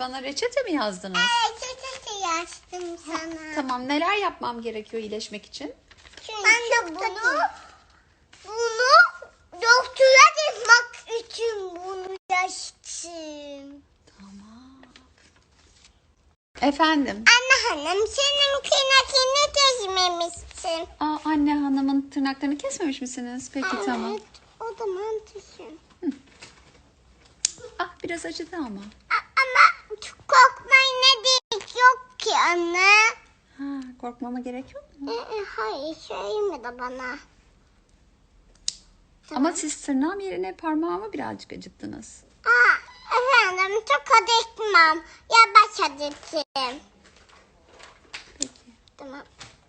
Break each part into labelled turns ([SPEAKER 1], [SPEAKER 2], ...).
[SPEAKER 1] Bana reçete mi yazdınız?
[SPEAKER 2] Evet, reçete yazdım sana.
[SPEAKER 1] Tamam, neler yapmam gerekiyor iyileşmek için?
[SPEAKER 2] Ben de bunu doktora gitmek için bunu yazdım.
[SPEAKER 1] Tamam. Efendim?
[SPEAKER 2] Anne hanım, senin kıymetini gezmemişsin.
[SPEAKER 1] Anne hanımın tırnaklarını kesmemiş misiniz? Peki tamam.
[SPEAKER 2] Evet, o zaman düşün.
[SPEAKER 1] Biraz acıdı ama.
[SPEAKER 2] Ama korkmaya ne gerek yok ki anne.
[SPEAKER 1] Korkmama gerek yok mu?
[SPEAKER 2] Hayır, söyleme de bana.
[SPEAKER 1] Ama siz tırnağım yerine parmağımı birazcık acıttınız.
[SPEAKER 2] Efendim, çok acıtmam. Yavaş acıtayım.
[SPEAKER 1] Peki.
[SPEAKER 2] Tamam.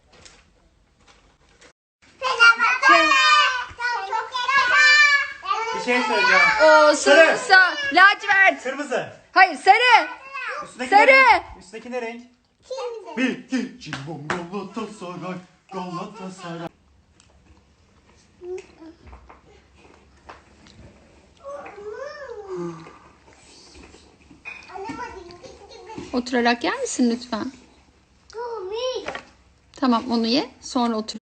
[SPEAKER 3] Bir şey söyleyeceğim.
[SPEAKER 1] Sarı. Lacivert.
[SPEAKER 3] Kırmızı.
[SPEAKER 1] Hayır, sarı.
[SPEAKER 3] Üstündeki
[SPEAKER 1] Sarı.
[SPEAKER 3] ne renk? Üstündeki ne renk?
[SPEAKER 2] Şimdi.
[SPEAKER 3] Bir, iki, cimbom Galatasaray. Galatasaray.
[SPEAKER 1] Oturarak yer misin lütfen? Tamam, onu ye. Sonra otur.